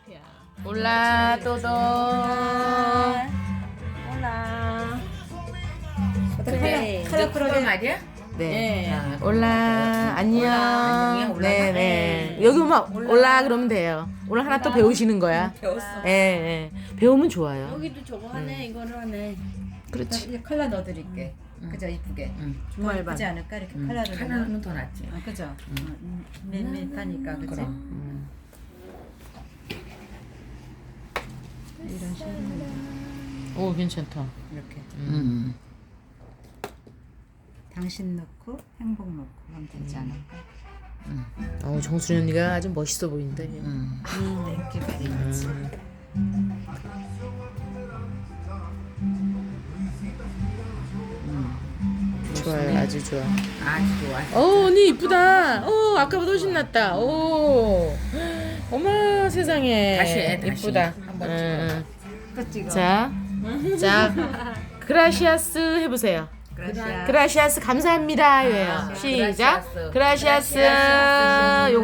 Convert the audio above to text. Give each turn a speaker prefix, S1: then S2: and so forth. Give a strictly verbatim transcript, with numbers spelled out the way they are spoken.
S1: 올라 또도.
S2: 올라.
S1: 그래.
S2: 컬러 컬러
S3: 말이야?
S1: 네.
S3: 아,
S1: 올라 안녕.
S3: 안녕이야, 올라.
S1: 네네. 여기 오면 올라 그러면 돼요. 오늘 하나 또 배우시는 거야.
S3: 배웠어.
S1: 예, 예. 배우면 좋아요.
S2: 여기도 저거 하네. 이거를 하네.
S1: 그렇지.
S4: 이제 컬러 넣어드릴게. 그죠, 이쁘게.
S3: 응.
S2: 주말반.
S4: 예쁘지 않을까 이렇게
S3: 응.
S4: 컬러를. 넣으면?
S3: 하나는 더 낫지.
S4: 아, 그죠. 음. 밋밋하니까 그죠.
S3: 그럼.
S1: 음.
S4: 이런 식으로
S1: 오 괜찮다.
S4: 이렇게
S3: 음.
S4: 당신 넣고 행복 넣고 하면 되지 않을까.
S1: 어 정순이 언니가 아주 멋있어 보인다. 얘.
S3: 음.
S4: 땡큐 베리 머치.
S1: 좋아요, 아주 좋아.
S3: 아주 좋아.
S1: 어 언니 이쁘다. 어 아까보다 훨씬 낫다. 오, 어머 세상에.
S3: 다시 해, 다시.
S1: 이쁘다.
S3: 한번
S1: 응,
S4: 또 찍어.
S1: 응. 자, 자, 그라시아스 해보세요.
S4: 그라시아.
S1: 그라시아스 감사합니다예요.
S3: 아,
S1: 시작.
S3: 그라시아스.
S1: 그라시아스.
S3: 그라시아스.
S1: 요거